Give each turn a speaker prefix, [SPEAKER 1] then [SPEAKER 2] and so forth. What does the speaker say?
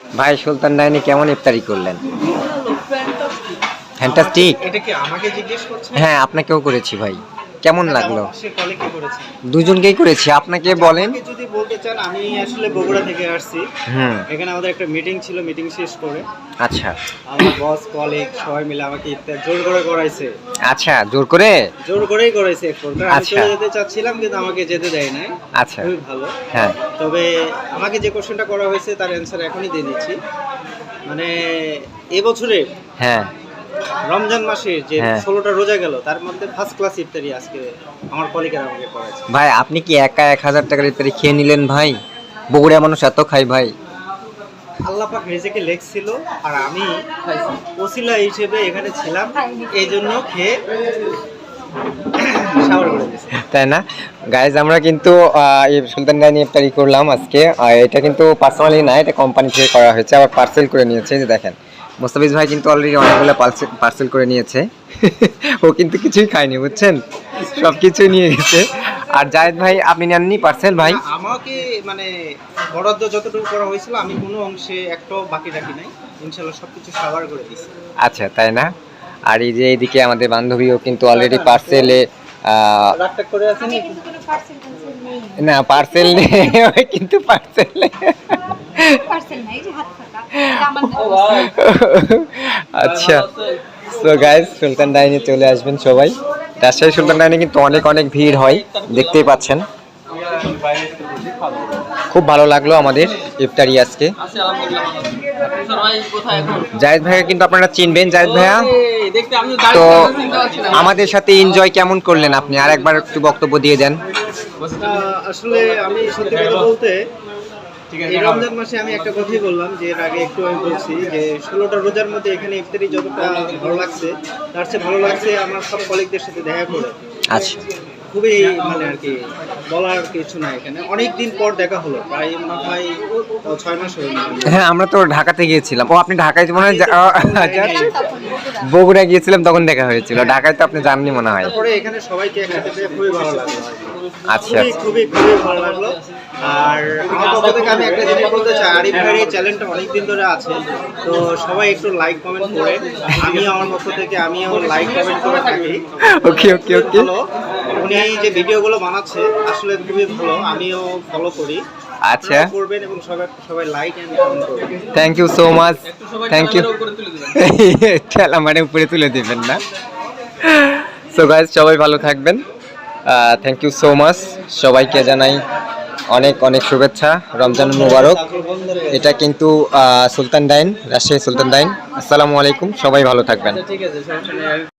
[SPEAKER 1] ভাই সুলতান ডাইনে কেমন ইফতারি করলেন? ফ্যান্টাস্টিক।
[SPEAKER 2] এটা কি আমাকে জিজ্ঞেস করছেন?
[SPEAKER 1] হ্যাঁ, আপনাকেও করেছি ভাই। কেমন লাগলো?
[SPEAKER 2] সে কলিগকে করেছে।
[SPEAKER 1] দুজনকেই করেছি, আপনাকে বলেন।
[SPEAKER 2] আমাকে যদি বলতে চান, আমি আসলে বগুড়া থেকে আসছি। এখানে আমাদের একটা মিটিং ছিল, মিটিং শেষ করে
[SPEAKER 1] আচ্ছা
[SPEAKER 2] আমার বস কলিগ সবাই মিলে আমাকে ইফতার জোর করে করাইছে।
[SPEAKER 1] আচ্ছা, জোর করেই
[SPEAKER 2] করাইছে এক প্রকার। আমি চলে যেতে চাচ্ছিলাম কিন্তু আমাকে যেতে দেয় নাই।
[SPEAKER 1] আচ্ছা,
[SPEAKER 2] খুবই ভালো।
[SPEAKER 1] হ্যাঁ।
[SPEAKER 2] তবে আমাকে যে কোশ্চেনটা করা হয়েছে তার অ্যান্সার এখনই দিয়ে দিচ্ছি। মানে এবছরে
[SPEAKER 1] হ্যাঁ
[SPEAKER 2] রমজান মাসে যে
[SPEAKER 1] হ্যাঁ।
[SPEAKER 2] 16টা রোজা গেল, তার মধ্যে ফার্স্ট ক্লাস ইফতারি আজকে আমার কলিগেরা আমাকে করাইছে।
[SPEAKER 1] ভাই, আপনি কি একা 1000 টাকার ইফতারি খেয়ে নিলেন ভাই? বগুড়া মানুষ এত খাই ভাই।
[SPEAKER 2] আল্লাহ পাক রিজিকে লেখছিল, আর আমি ওসিলা হিসেবে এখানে ছিলাম, এই জন্য খেয়ে শাওয়ার করে দিয়েছি।
[SPEAKER 1] তাই না গাইজ? আমরা কিন্তু এই সুলতান ডাইনি ইফতারি করলাম আজকে। আর এটা কিন্তু পার্সোনালি না, এটা কোম্পানি থেকে করা হয়েছে, আবার পার্সেল করে নিয়েছে। এই যে দেখেন, মোস্তাফিজ ভাই কিন্তু অলরেডি অনেকগুলো পার্সেল করে নিয়েছে। ও কিন্তু কিছুই খায়নি, বুঝছেন, সব কিছুই নিয়ে গেছে। আর জায়েদ ভাই, আপনি নেননি পার্সেল ভাই?
[SPEAKER 2] আমাকে মানে বরাদ্দ যতটুকু করা হয়েছিল আমি কোনো অংশে একটাও বাকি রাখি নাই, ইনশাআল্লাহ সবকিছু শাওয়ার করে দিয়েছি।
[SPEAKER 1] আচ্ছা, তাই না? আর এই যে এইদিকে আমাদের বান্ধবীও কিন্তু অলরেডি পার্সেলে
[SPEAKER 2] রাগটা করে আছে নি?
[SPEAKER 1] না, পার্সেল নেই, কিন্তু পার্সেল আচ্ছা। সো গাইজ, সুলতান ডাইনে চলে আসবেন সবাই। রাজশাহী সুলতান ডাইনে কিন্তু অনেক অনেক ভিড় হয়, দেখতেই পাচ্ছেন। খুব ভালো লাগলো আমাদের ইফতারি আজকে। জায়েদ ভাইয়া কিন্তু আপনারা চিনবেন, জায়েদ ভাইয়া। তো আমাদের সাথে এনজয় কেমন করলেন আপনি? আর একবার একটু বক্তব্য দিয়ে দেন।
[SPEAKER 2] আসলে আমি সত্যি কথা বলতে এই রমজান মাসে আমি একটা কথাই বললাম, যে এর আগে একটু আমি বলছি যে 16টা রোজার মধ্যে এখানে ইফতারি যতটা ভালো লাগছে, তার চেয়ে ভালো লাগছে আমার সব কলিগদের সাথে দেখা করে।
[SPEAKER 1] আচ্ছা,
[SPEAKER 2] খুবই মানে আর কি বলার কিছু নাই, এখানে অনেক দিন পর দেখা হলো, প্রায় মনে হয় 6 মাস হয়ে গেল।
[SPEAKER 1] হ্যাঁ, আমরা তো ঢাকাতে গিয়েছিলাম। ও, আপনি ঢাকায় মনে হয় বগুড়া গিয়েছিলাম, তখন দেখা হয়েছিল। ঢাকায় তো আপনি জাননি মনে হয়।
[SPEAKER 2] তারপরে এখানে সবাইকে একসাথে পেয়ে খুবই ভালো লাগলো।
[SPEAKER 1] আচ্ছা,
[SPEAKER 2] খুবই ভালো লাগলো। আর আমার পক্ষ থেকে আমি একটা জিনিস বলতে চাই, আরিফ ভাইয়ের এই চ্যানেলটা অনেকদিন ধরে আছে, তো সবাই একটু লাইক কমেন্ট করে, আমিও আমার পক্ষ থেকে আমিও লাইক কমেন্ট করে থাকি।
[SPEAKER 1] ওকে ওকে ওকে।
[SPEAKER 2] উনি যে ভিডিওগুলো বানাচ্ছে আসলে খুবই ভালো, আমিও ফলো করি।
[SPEAKER 1] আচ্ছা,
[SPEAKER 2] করবেন এবং সবাই লাইক এন্ড কমেন্ট করবেন।
[SPEAKER 1] Thank you so much. Thank you. খেলা মানে উপরে তুলে দিবেন না? সো গাইজ, সবাই ভালো থাকবেন। Thank you so much. সবাইকে জানাই অনেক অনেক শুভেচ্ছা, রমজান মুবারক। এটা কিন্তু সুলতান ডাইন, রাজশাহী সুলতান ডাইন। আসসালামু আলাইকুম, সবাই ভালো থাকবেন।
[SPEAKER 2] ঠিক আছে, সমস্যা নেই।